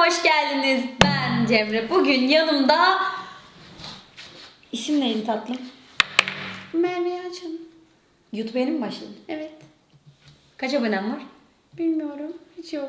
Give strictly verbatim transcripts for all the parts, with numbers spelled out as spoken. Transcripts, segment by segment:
hoş geldiniz. Ben Cemre. Bugün yanımda... İsim neydi tatlım? Merve Yalçın. YouTube'a yeni mi başladın? Evet. Kaç abonen var? Bilmiyorum. Hiç yok.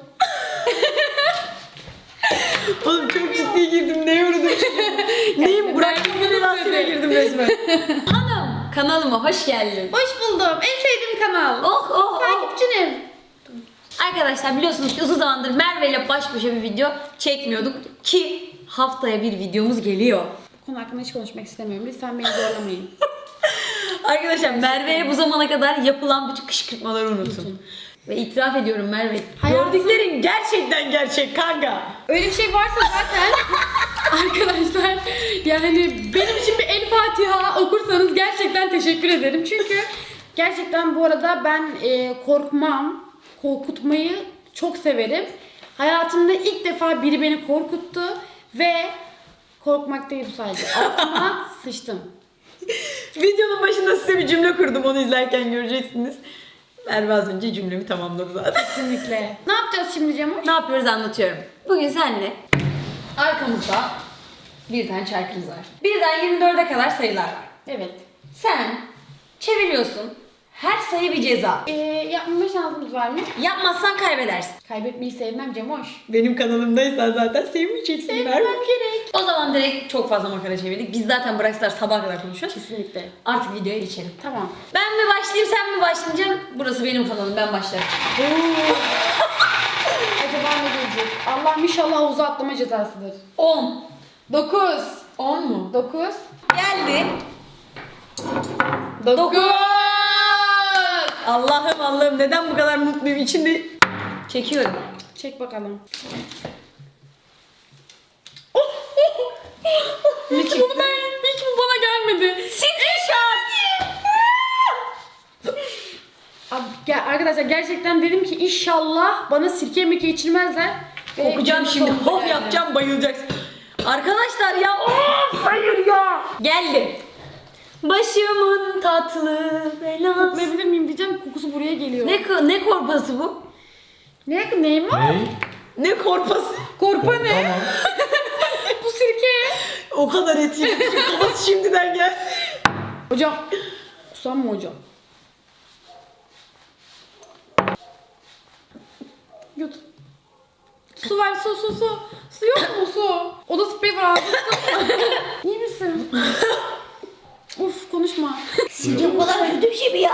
Oğlum çok ciddi girdim. Neye uğradım? Neyim? Bıraktım belasına girdim resmen. Hanım, kanalıma hoş geldin. Hoş buldum. En sevdiğim kanal. Oh oh oh. Takipçinim. Arkadaşlar biliyorsunuz ki uzun zamandır Merve ile baş başa bir video çekmiyorduk. Ki haftaya bir videomuz geliyor. Bu konu hakkında hiç konuşmak istemiyorum. Lütfen beni zorlamayın. Arkadaşlar Merve'ye bu zamana kadar yapılan bütün kışkırtmaları unutun. Ve itiraf ediyorum Merve. Hayatım- Gördüklerin gerçekten gerçek kanka. Öyle bir şey varsa zaten arkadaşlar yani benim için bir El Fatiha okursanız gerçekten teşekkür ederim. Çünkü gerçekten bu arada ben e, korkmam, korkutmayı çok severim. Hayatımda ilk defa biri beni korkuttu ve korkmak değil bu sadece. Altıma sıçtım. Videonun başında size bir cümle kurdum, onu izlerken göreceksiniz. Merve az önce cümlemi tamamladı zaten. Kesinlikle. Ne yapacağız şimdi Cemo? Ne yapıyoruz anlatıyorum. Bugün seninle arkamızda bir tane çarkımız var. Birden yirmi dörde kadar sayılar var. Evet. Sen çeviriyorsun. Her sayı bir ceza. Ee, yapmama şansımız var mı? Yapmazsan kaybedersin. Kaybetmeyi sevmem Cemoş. Benim kanalımdaysan zaten sevmeyeceksin Sevmem Merve. gerek. O zaman direkt çok fazla makara çevirdik. Biz zaten bıraksalar sabaha kadar konuşuyoruz. Kesinlikle. Artık videoya geçelim. Tamam. Ben mi başlayayım sen mi başlayacaksın? Burası benim kanalım, ben başlarım. Acaba ne gelecek? Allah'ım inşallah havuza atlama cezasıdır. on. dokuz. on mu? dokuz. Geldi. dokuz. Allah'ım Allah'ım neden bu kadar mutluyum? İçinde çekiyorum. Çek bakalım. Ne çıktı? Bunu ben, hiç bu bana gelmedi. Screenshot. Abi, gel, arkadaşlar gerçekten dedim ki inşallah bana sirke meke içirmezler. Ve Kokacağım şimdi. sonunda Hoh geldi. yapacağım, bayılacaksın. Arkadaşlar ya of hayır ya. Geldi. Başımın tatlı belası. Koklayabilir miyim diyeceğim, kokusu buraya geliyor. Ne ko- ne korpası bu? Ne? Neyim o? Ney? Ne korpası? Korpa ne? Tamam. Bu sirke. O kadar et yedim ki kafası şimdiden geldi. Hocam. Kusam mı hocam? Yut. Su ver, su su su. Su yok mu su? Oda spreyi var ağzında. İyi misin? Uf konuşma. Sizce bu kadar kötü bir şey mi ya?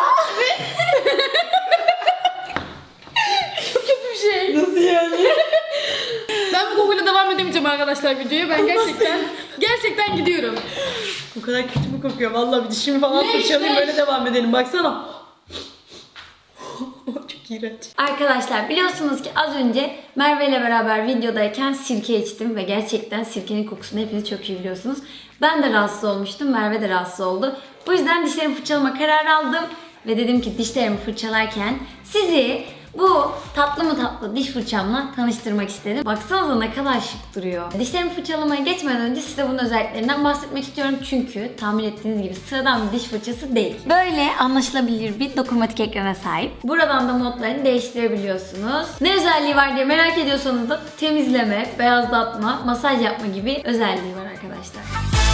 Çok kötü bir şey. Nasıl yani? Ben bu kokuyla devam edemeyeceğim arkadaşlar videoya. Ben gerçekten gerçekten gidiyorum. Bu kadar kötü mü kokuyor? Vallahi bir dişimi falan Leş, fırçalayayım leş. böyle devam edelim. Baksana. Çok iğrenç. Arkadaşlar biliyorsunuz ki az önce Merve ile beraber videodayken sirke içtim ve gerçekten sirkenin kokusunu hepiniz çok iyi biliyorsunuz. Ben de rahatsız olmuştum, Merve de rahatsız oldu. Bu yüzden dişlerimi fırçalama kararı aldım ve dedim ki dişlerimi fırçalarken sizi bu tatlı mı tatlı diş fırçamla tanıştırmak istedim. Baksanıza ne kadar şık duruyor. Dişlerimi fırçalamaya geçmeden önce size bunun özelliklerinden bahsetmek istiyorum. Çünkü tahmin ettiğiniz gibi sıradan bir diş fırçası değil. Böyle anlaşılabilir bir dokunmatik ekrana sahip. Buradan da modlarını değiştirebiliyorsunuz. Ne özelliği var diye merak ediyorsanız da temizleme, beyazlatma, masaj yapma gibi özelliği var arkadaşlar.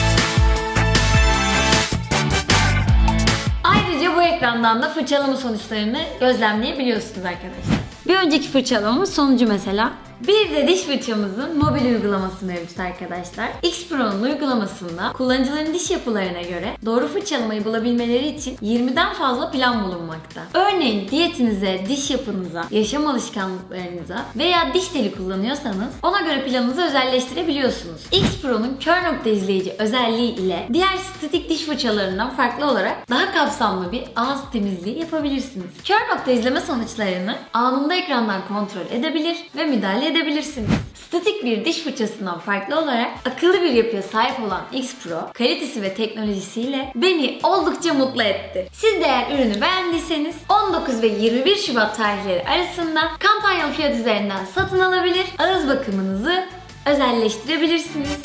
Ayrıca bu ekrandan da fırçalama sonuçlarını gözlemleyebiliyorsunuz arkadaşlar. Bir önceki fırçalamamız sonucu mesela. Bir de diş fırçamızın mobil uygulaması mevcut arkadaşlar. X Pro'nun uygulamasında kullanıcıların diş yapılarına göre doğru fırçalamayı bulabilmeleri için yirmiden fazla plan bulunmakta. Örneğin diyetinize, diş yapınıza, yaşam alışkanlıklarınıza veya diş teli kullanıyorsanız ona göre planınızı özelleştirebiliyorsunuz. X Pro'nun kör nokta izleyici özelliği ile diğer statik diş fırçalarından farklı olarak daha kapsamlı bir ağız temizliği yapabilirsiniz. Kör nokta izleme sonuçlarını anında ekrandan kontrol edebilir ve müdahale edebilirsiniz. Statik bir diş fırçasından farklı olarak akıllı bir yapıya sahip olan X Pro, kalitesi ve teknolojisiyle beni oldukça mutlu etti. Siz de eğer ürünü beğendiyseniz on dokuz ve yirmi bir Şubat tarihleri arasında kampanyalı fiyat üzerinden satın alabilir, ağız bakımınızı özelleştirebilirsiniz.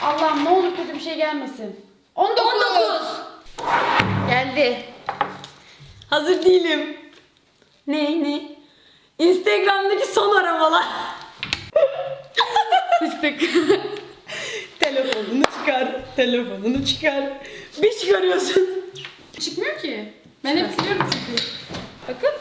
Allah'ım ne olur kötü bir şey gelmesin. on dokuz. on dokuz. Geldi. Hazır değilim. Ne ne? Instagram'daki son aramalar. Sıçtık. Telefonunu çıkar, telefonunu çıkar. Bir çıkarıyorsun. Çıkmıyor ki. Ben hep siliyorum çünkü. Bakın.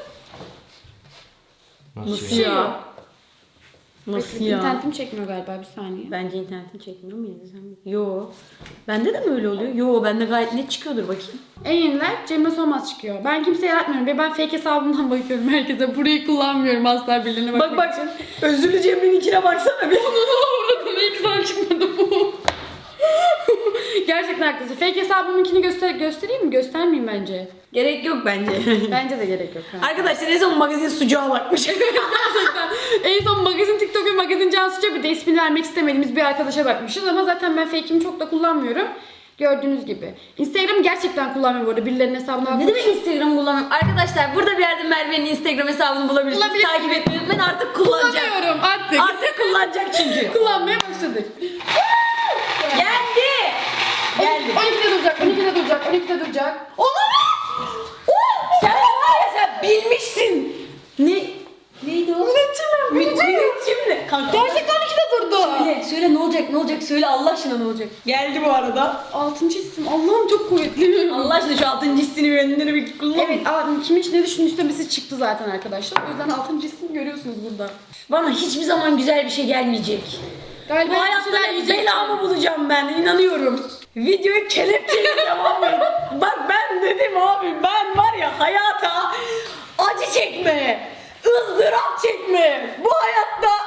Nasıl Şey ya? yok. Nasıl Bakın, ya? İnternetim çekmiyor galiba bir saniye. Bence internetin çekmiyor mu yine sen? Yo. Bende de mi öyle oluyor? Yo, bende gayet net çıkıyordur bakayım. En yeniler Cemre Solmaz çıkıyor. Ben kimseye yaratmıyorum. Ve ben fake hesabımdan bakıyorum herkese. Burayı kullanmıyorum asla birilerine bakmak Bak bak, özürlü Cemre'ninkine baksana bir. Oradan ilk sen çıkmadı bu. Gerçekten haklısın. Fake hesabımınkini göster göstereyim mi? Göstermeyeyim bence. Gerek yok bence. Bence de gerek yok. Ha. Arkadaşlar en son magazin sucuğa bakmış. Gerçekten. En son magazin TikTok ve magazin Cansu'ca bir de ismini vermek istemediğimiz bir arkadaşa bakmışız. Ama zaten ben fake'imi çok da kullanmıyorum. Gördüğünüz gibi. Instagram'ı gerçekten kullanmıyorum bu arada. Birilerinin hesabına Ne bakmak. demek Instagram kullanmıyorum? Arkadaşlar burada bir yerde Merve'nin Instagram hesabını bulabilirsiniz. Bulabilirsiniz. Takip etmeyi ben artık kullanacağım. Kullanıyorum artık. Artık kullanacak çünkü. Kullanmaya başladık. Geldi. Geldi. on ikide duracak, on ikide duracak, on ikide duracak. Olamaz. Oh, sen var ya, sen bilmişsin. Ne? Neydi o? Müneccim mi? Müneccim ne? Kanka. Gerçekten on ikide durdu. Söyle, söyle ne olacak, ne olacak? Söyle Allah aşkına ne olacak? Geldi bu arada. Altıncı isim. Allah'ım çok kuvvetli. Allah aşkına şu altıncı hissini bir önüne bir kullan. Evet, aa, kimin için ne düşündüğü istemesi çıktı zaten arkadaşlar. O yüzden altıncı isim görüyorsunuz burada. Bana hiçbir zaman güzel bir şey gelmeyecek. Galiba Bu hayatta hep belamı bulacağım ben, inanıyorum. Videoyu kelepçeyle devam et. Bak ben dedim abi, ben var ya hayata acı çekme, ızdırap çekme. Bu hayatta...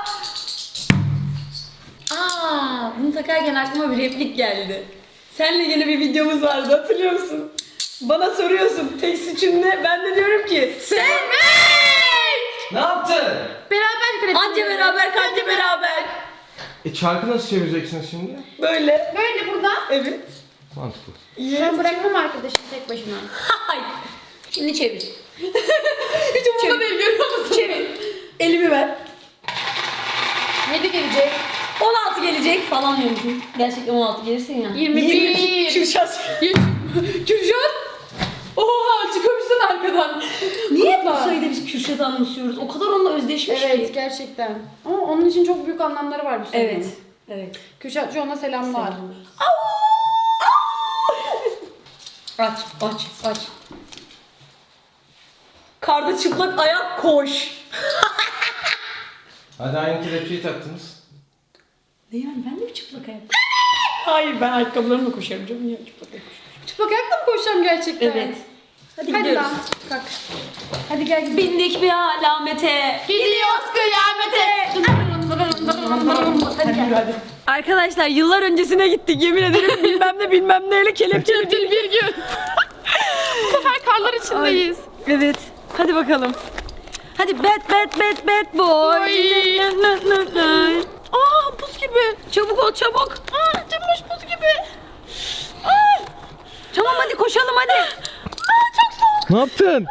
Aa, bunu takarken aklıma bir replik geldi. Seninle yine bir videomuz vardı, hatırlıyor musun? Bana soruyorsun tek suçun ne? Ben de diyorum ki sevmek! Ne yaptın? Beraber kredi. Anca beraber, kanca beraber. E çarkı nasıl çevireceksiniz şimdi? Böyle. Böyle burada. Evet. Mantıklı. Ben bırakmam arkadaşım tek başına. Hayır. Şimdi çevir. Hiç umurumda değil, görüyor musun? Çevir. Elimi ver. yedi gelecek. on altı gelecek falan diyormuşum. Gerçekten on altı gelirse ya. yirmi bir. Kürşat. Kürşat. Oha, çıkamışsın arkadan. Niye bu Kutla. sayıda biz Kürşat'ı anımsıyoruz? O kadar onunla özdeşmiş Evet, ki. gerçekten. Ama onun için çok büyük anlamları var bu sorunun. Evet. Evet. Kürşat John'a selamlar. Aç, aç, aç. Karda çıplak ayak koş. Hadi aynı kelepçeyi taktınız. Ne yani, ben de mi çıplak ayak? Hayır, ben ayakkabılarımla koşarım canım ya, çıplak ayak. Çıplak ayakla mı koşacağım gerçekten? Evet. Hadi, Hadi gidiyoruz. lan. Kalk. Hadi gel gidelim. Bindik bir alamete. Gidiyoruz kıyamete. Hadi gel. Hadi. Arkadaşlar yıllar öncesine gittik, yemin ederim bilmem ne bilmem neyle kelepçeli bir, bir gün. Bu sefer karlar içindeyiz. Evet. Hadi bakalım. Hadi bad bad bad bad boy. Oy. Aa, buz gibi. Çabuk ol, çabuk. Aa, Cemoş buz gibi. Aa. Tamam hadi koşalım hadi. Aa, çok soğuk. Ne yaptın?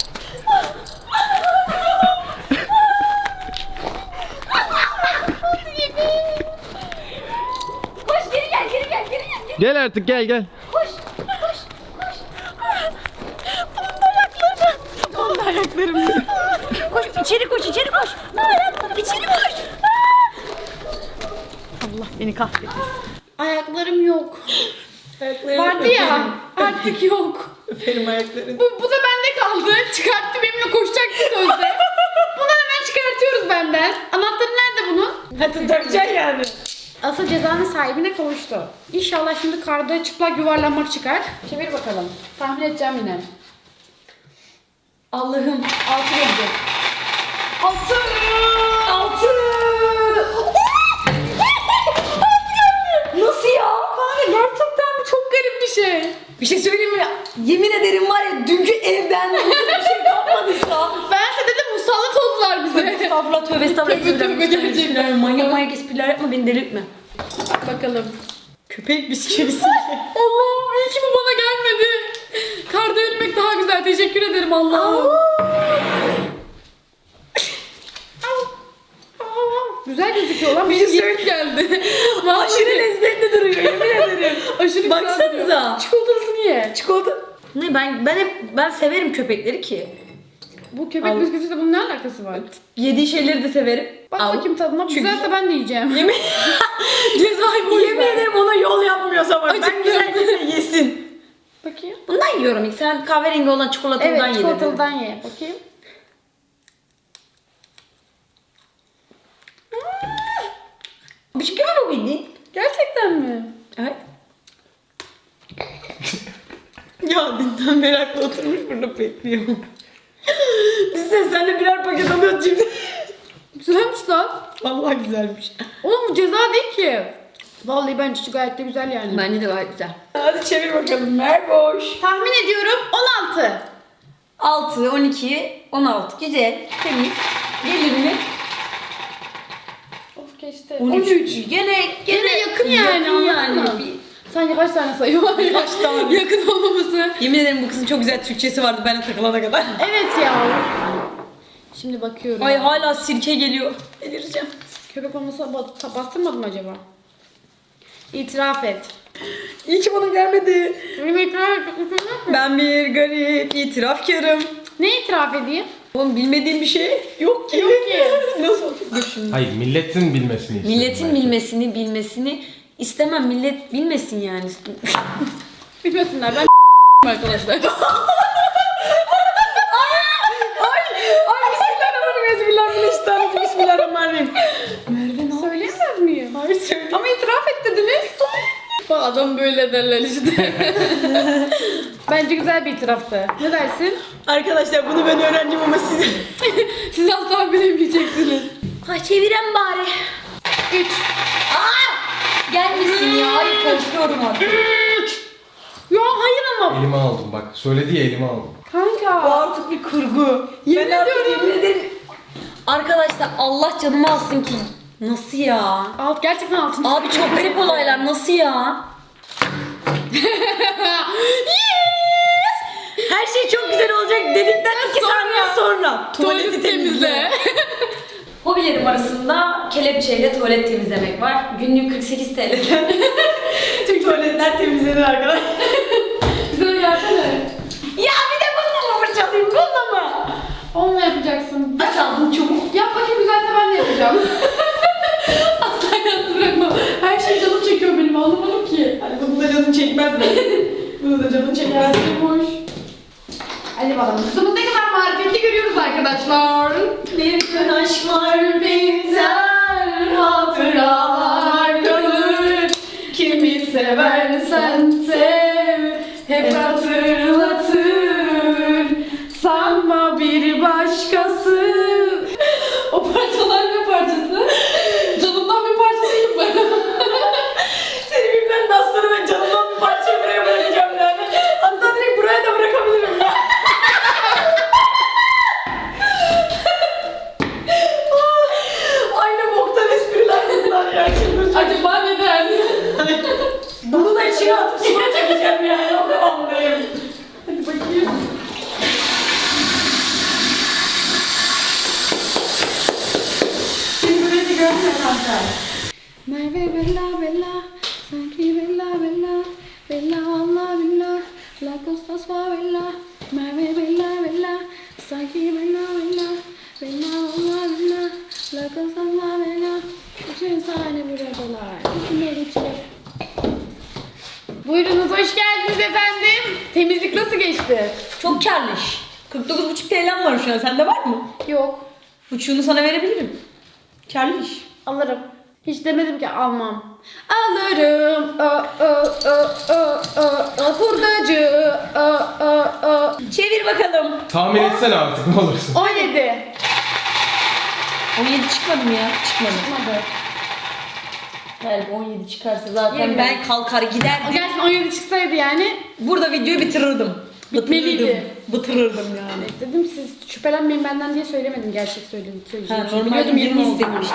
Koş, geri gel, geri gel, geri gel. Geri. Gel artık gel gel. Koş, koş, koş. Bunun da ayaklarım. Bunun da ayaklarım. Koş, içeri koş, içeri koş. İçeri koş. Allah beni kahretsin. Ayaklarım yok. Ayaklarım Vardı ya, artık yok. Öperim ayaklarını. Bu, bu da bende kaldı. Çıkarttı, benimle koşacaktı sözde. Bunu hemen çıkartıyoruz benden. Anahtarı nerede bunun? Hadi takacaksın yani. Asıl cezanın sahibine kavuştu. İnşallah şimdi karda çıplak yuvarlanmak çıkar. Çevir bakalım. Tahmin edeceğim yine. Allah'ım. Altı gelecek. Altı! Altı. Nasıl ya? Kanka gerçekten bu çok garip bir şey. Bir şey söyleyeyim mi? Yemin ederim var ya, dünkü evden bir şey kalmadıysa. Ben size dedim musallat oldular bize. Estağfurullah, tövbe estağfurullah. Tövbe, tövbe, gerçekten. Manyak manyak espriler yapma, beni delirtme. Bakalım. Köpek bisküvisi. Allah'ım iyi ki bu bana gelmedi. Karda yürümek daha güzel. Teşekkür ederim Allah'ım. Güzel gözüküyor lan. Bir şey geldi. Aşırı lezzetli gibi duruyor yemin ederim. Aşırı güzel duruyor. Baksanıza. Çikolatasını ye. Çikolata. Ne ben ben hep ben severim köpekleri ki. Bu köpek Al. bisküvisiyle bunun ne alakası var? Yediği şeyleri de severim. Bak Al. bakayım tadına. Çünkü- Güzelse ben de yiyeceğim. Yemin, Cezayı boş yemin ver. ederim ona yol yapmıyorsa bak. Ben Acıktım. güzel değilse yesin. Bakayım. Bundan yiyorum ilk. Sen kahverengi olan çikolatalıdan Evet yedin. çikolatalıdan ye. Bakayım. Bisküvi mi bu bildiğin? Gerçekten mi? Evet. Ya dünden beri aklı oturmuş burada bekliyor. Biz de seninle birer paket alıyoruz şimdi. Güzelmiş lan. Vallahi güzelmiş. Oğlum bu ceza değil ki. Vallahi bence gayet de güzel yani. Bence de gayet güzel. Hadi çevir bakalım. Merboş. Tahmin ediyorum on altı. altı, on iki, on altı. Güzel. Temiz. Gelir mi? Of geçti. on üç. Gene, Gene yakın yani, Yakın anladın mı? Bir- Sence kaç tane sayı var? Kaç tane? Yakın olmaması. Yemin ederim bu kızın çok güzel Türkçesi vardı ben de takılana kadar. Evet ya. Şimdi bakıyorum. Ay hala sirke geliyor. Delireceğim. Köpek olmasa ba- bastırmadım mı acaba? İtiraf et. İyi ki bana gelmedi. Benim itiraf et. Ben bir garip itirafkarım. Ne itiraf edeyim? Oğlum bilmediğim bir şey yok ki. Yok ki. Nasıl? Dur şimdi. Hayır milletin bilmesini istiyorum. Milletin bence. bilmesini bilmesini istemem. Millet bilmesin yani. Bilmesinler ben arkadaşlar. Ay bismillahirrahmanirrahim. Bismillahirrahmanirrahim. Bismillahirrahmanirrahim. Merve ne Söyleyemez miyim? Hayır söyle. Ama itiraf et dediniz. Bak adam böyle derler işte. Bence güzel bir itiraftı. Ne dersin? Arkadaşlar bunu ben öğrendim ama siz... Siz asla bilemeyeceksiniz. Ha çeviren bari. üç. Aa! Gelmesin ya. Hayır karışıyorum artık. Ya hayır ama. Elime aldım bak. Söyledi ya elime aldım. Bu Kanka. artık bir kurgu. Yemin Ben artık ediyorum. yemin ederim. Arkadaşlar Allah canımı alsın ki. Nasıl ya? Alt gerçekten altın. Abi çok garip olaylar. Nasıl ya? Her şey çok güzel olacak dedikten iki Sonra- saniye sonra. Tuvaleti temizle. Hobilerim arasında kelepçeyle tuvalet temizlemek var. Günlük kırk sekiz T L'den tüm tuvaletler temizlenir arkadaşlar. Bize gelsene. Ya bir de bununla mı fırçalayayım? Bununla mı? Onunla yapacaksın. Aç ağzını çabuk. Yap bakayım güzelse ben de yapacağım. Asla yalnız bırakma. Her şey canım çekiyor benim anlamadım ki. Hani bunu da canın çekmez mi? Bunu da canın çekmez. Gelsin boş. Hadi bakalım. Kızımız ne kadar marifetli görüyoruz arkadaşlar. Bir gün aşklar benzer hatıralar kalır. Kimi seversen sev, hep hatırlatır. Sanma bir başkası. O parçalar ne parçası? Canımdan bir parça değil mi? Seni bilmem nasıl ben canımdan bir parça buraya bırakacağım yani. Hatta direkt buraya da bırakabilirim ya. Aynı boktan espriler bunlar ya. Çıldıracağım. Acaba neden? Bunu da içine atıp suya çekeceğim yani. O kıvamdayım. Hadi bakayım. Şimdi beni görmüyor kanka. Merve bella bella, sanki bella bella, bella Allah billah, la costas favela. Merve bella bella, sanki bella bella, bella Allah billah, la costas favela. Bütün sahne buradalar, üstüne geçelim. Buyurunuz, hoş geldiniz efendim. Temizlik nasıl geçti? Çok karlı iş. kırk dokuz buçuk T L'm var şu an. Sende var mı? Yok, Buçuğunu sana verebilirim. Karlı iş. alırım. Hiç demedim ki almam. Alırım. Ö, ö, ö, ö, ö, ö, hurdacı. Ö, ö, ö. Çevir bakalım. Tahmin etsene artık ne olursun. on yedi. on yedi çıkmadı mı ya? Çıkmadı. Çıkmadı. Galiba on yedi çıkarsa zaten Yirmi. ben kalkar O giderdim. gerçekten on yedi çıksaydı yani Burada videoyu bitirirdim. Bitmeliydi. Bitirirdim. Bitirirdim yani. dedim siz şüphelenmeyin benden diye söylemedim gerçek söyledim Ha, söyleyeceğim. şey. normalde Biliyordum yirmi yirmi istemiştim.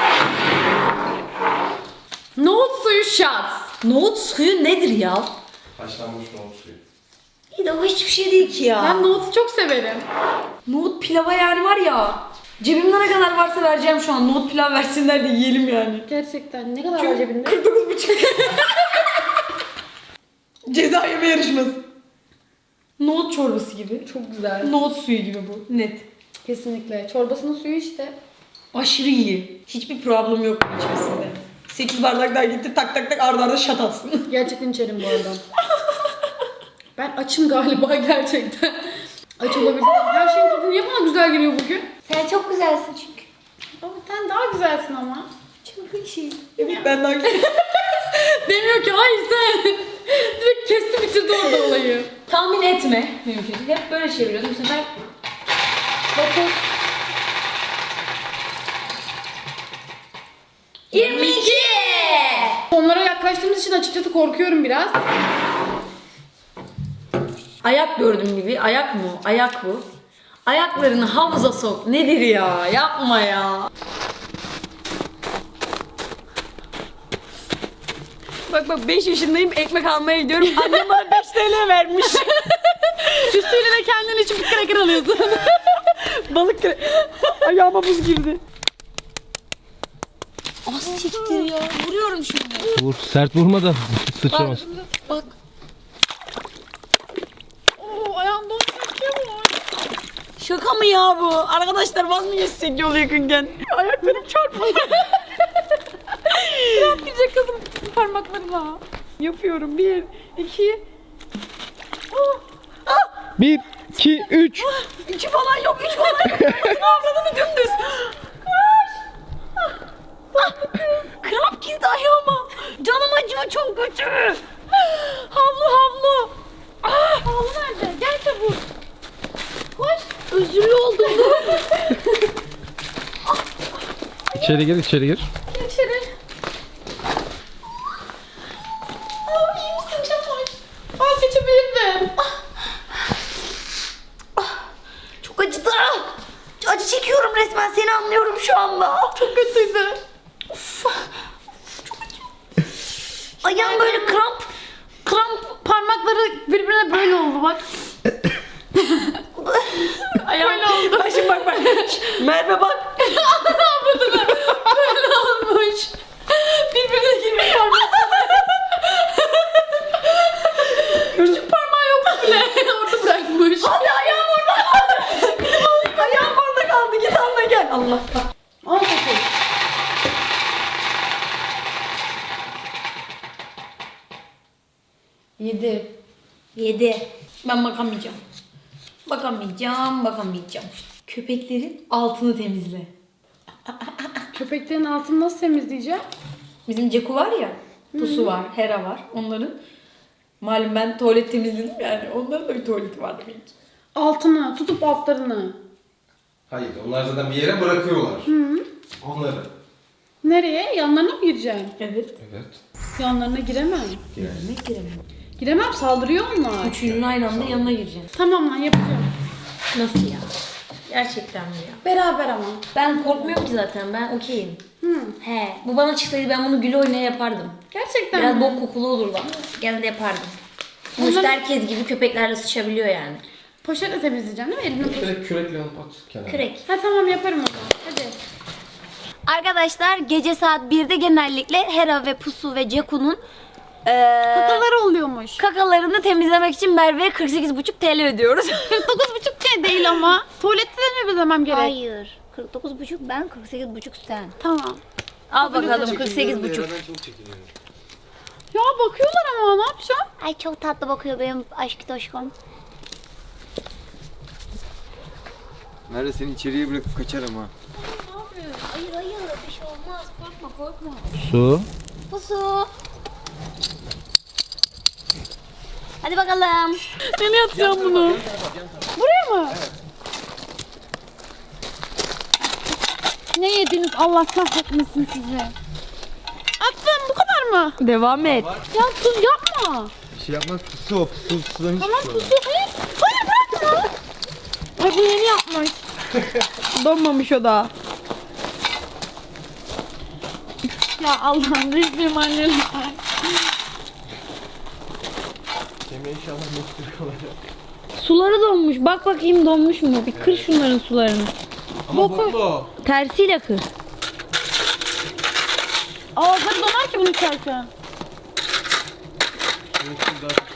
Nohut suyu shots. Nohut suyu nedir ya? Haşlanmış nohut suyu. İyi de o hiçbir şey değil ki ya. Ben nohutu çok severim. Nohut pilava yani var ya. Cebimde ne kadar varsa vereceğim şu an. Nohut pilav versinler de yiyelim yani. Gerçekten ne kadar var cebinde? kırk dokuz buçuk. Ceza yeme yarışması. Nohut çorbası gibi. Çok güzel. Nohut suyu gibi bu. Net. Kesinlikle. Çorbasının suyu işte. Aşırı iyi. Hiçbir problem yok bu içmesinde. sekiz bardak daha getir tak tak tak arda arda şat atsın. Gerçekten içerim bu arada. Ben açım galiba gerçekten. Aç olabilirim. Her şeyin tadı niye bana güzel geliyor bugün? Sen çok güzelsin çünkü. Ama sen daha güzelsin ama. Çok şey. Evet ben daha güzel. Demiyor ki hayır sen. Direkt kesti bitirdi orada olayı. Tahmin etme mümkün. Hep böyle çeviriyordum. Bu sefer Dokuz. yirmi iki. Onlara yaklaştığımız için açıkçası korkuyorum biraz. ayak gördüğüm gibi. Ayak mı? Ayak bu. Ayaklarını havuza sok. Nedir ya? Yapma ya. Bak bak beş yaşındayım, ekmek almaya gidiyorum. Annem bana beş TL vermiş. Üstüne de kendin için bir kraker alıyorsun. Balık kre... Ayağıma buz girdi. Ah siktir ya. Vuruyorum şimdi. Vur, sert vurma da sıçramaz. Bak. Oo ayağım dondu. Şaka mı ya bu? Arkadaşlar vaz mı geçsek yol yakınken? Ayaklarım çarpıldı. Kramp girecek kızım parmaklarına. Yapıyorum. Bir, iki... Bir, iki, üç. İki falan yok, üç falan yok. Ne avradını dümdüz. Kramp girdi ayağıma. Canım acıyor çok kötü. Havlu havlu. Ah, havlu nerede? Gel çabuk. Koş. Özürlü oldum. İçeri gir, içeri gir. İçeri. Aa iyi misin Çamoy? Al geçebilir mi? Çok acıdı. Acı çekiyorum resmen. Seni anlıyorum şu anda. Çok kötüydü. Of. Çok acıyor. Ayağım böyle kramp. Kramp. Parmakları birbirine böyle oldu bak. Ayağım. Böyle oldu. Bak şimdi bak bak. Merve bak. Böyle olmuş. Birbirine girmiş parmakları. Küçük parmağı yok bile. Orada bırakmış. Hadi ayağım orada kaldı. Gidip alayım. Ayağım orada kaldı. Git anla gel. Allah kahretsin. On dokuz. Yedi. Yedi. Ben bakamayacağım. Bakamayacağım, bakamayacağım. Köpeklerin altını temizle. Köpeklerin altını nasıl temizleyeceğim? Bizim Ceku var ya, Pusu var, Hera var. Onların malum ben tuvalet temizledim yani. Onların da bir tuvaleti var demek ki. Altını, tutup altlarını. Hayır, onlar zaten bir yere bırakıyorlar. Onları. Nereye? Yanlarına mı gireceğim? Evet. Evet. Yanlarına giremem. Ne giremem. Giremem, saldırıyor onlar. Üçünün aynı anda yanına gireceğim. Tamam lan yapacağım. Nasıl ya? Gerçekten mi ya? Beraber ama. Ben korkmuyorum ki zaten. Ben okeyim. Hı. He. Bu bana çıksaydı ben bunu gül oynaya yapardım. Gerçekten Biraz mi? bok kokulu olurdu ama gene de yapardım. Sonuçta Ondan- herkes gibi köpeklerle sıçabiliyor yani. Poşetle temizleyeceğim değil mi? Elimle poşet. Direkt kürekle alıp at kenara. Kürek. Ha tamam yaparım o zaman. Hadi. Arkadaşlar gece saat birde genellikle Hera ve Pusu ve Ceku'nun eee Kakalar oluyormuş. kakalarını temizlemek için Merve'ye kırk sekiz buçuk T L ödüyoruz. kırk dokuz buçuk şey değil ama. Tuvalette de mi ödemem gerek? Hayır. kırk dokuz buçuk ben, kırk sekiz buçuk sen. Tamam. Al bakalım kırk sekiz buçuk. Ya bakıyorlar ama ne yapacağım? Ay çok tatlı bakıyor benim aşk toşkom. Nerede seni içeriye bırakıp kaçarım ha. Hayır hayır bir şey olmaz. Korkma korkma. Su. Pusu. Hadi bakalım. Nereye atacağım bunu? Buraya mı? Ne yediniz Allah kahretmesin sizi. Attım bu kadar mı? Devam et. Ya tuz yapma. Bir şey yapmaz pusu o pusu pusudan hiç Tamam çıkıyor. pusu. Hayır. Hayır bırakma. Ay bu yeni yapmış. Donmamış o da. Ya Allah'ım resmim annem. Kemiğe inşallah mutlu kalacak. Suları donmuş. Bak bakayım donmuş mu? Bir kır şunların sularını. Ama boklu. Tersiyle kır. Ağızları donar ki bunu içerken. Daha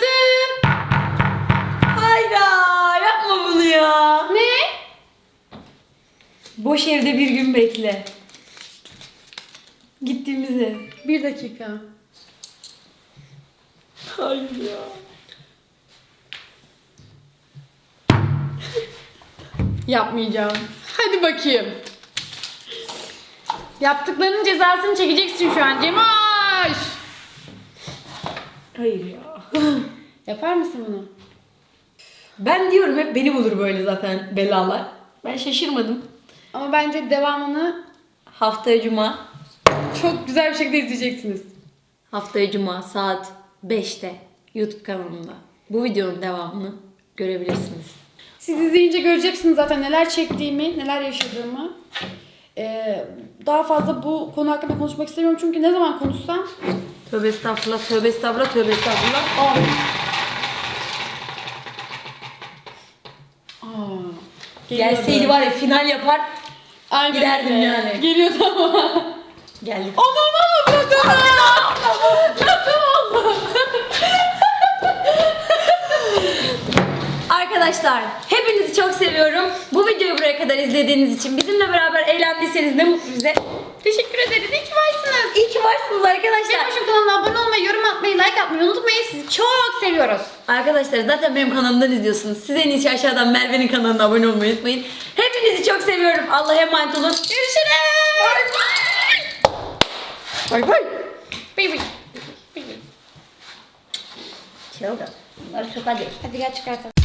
Yaptım. Hayda, yapma bunu ya. Ne? Boş evde bir gün bekle. Gittiğimizi. Bir dakika. Hayır ya. Yapmayacağım. Hadi bakayım. Yaptıklarının cezasını çekeceksin şu an Cemoş. Hayır ya. Yapar mısın bunu? Ben diyorum hep beni bulur böyle zaten belalar. Ben şaşırmadım. Ama bence devamını Haftaya cuma. çok güzel bir şekilde izleyeceksiniz. Haftaya cuma saat beşte YouTube kanalımda. Bu videonun devamını görebilirsiniz. Siz izleyince göreceksiniz zaten neler çektiğimi, neler yaşadığımı. Ee, daha fazla bu konu hakkında konuşmak istemiyorum çünkü ne zaman konuşsam Tövbe estağfurullah, tövbe estağfurullah, tövbe estağfurullah. Aa. Aa. Gelseydi var ya final yapar. Aynen giderdim öyle. yani. Geliyordu ama. Geldik. Anam avladım. Arkadaşlar hepinizi çok seviyorum. Bu videoyu buraya kadar izlediğiniz için bizimle beraber eğlendiyseniz ne mutlu bize. Teşekkür ederiz. İyi ki varsınız. İyi ki varsınız arkadaşlar. Cemoş'un kanalına abone olmayı, yorum atmayı, like atmayı unutmayın. Sizi çok seviyoruz. Arkadaşlar zaten benim kanalımdan izliyorsunuz. Siz en iyisi aşağıdan Merve'nin kanalına abone olmayı unutmayın. Hepinizi çok seviyorum. Allah'a emanet olun. Görüşürüz. Bay bay. Bay bay. Çılgın. Bunları çok hadi. Hadi gel çıkartalım.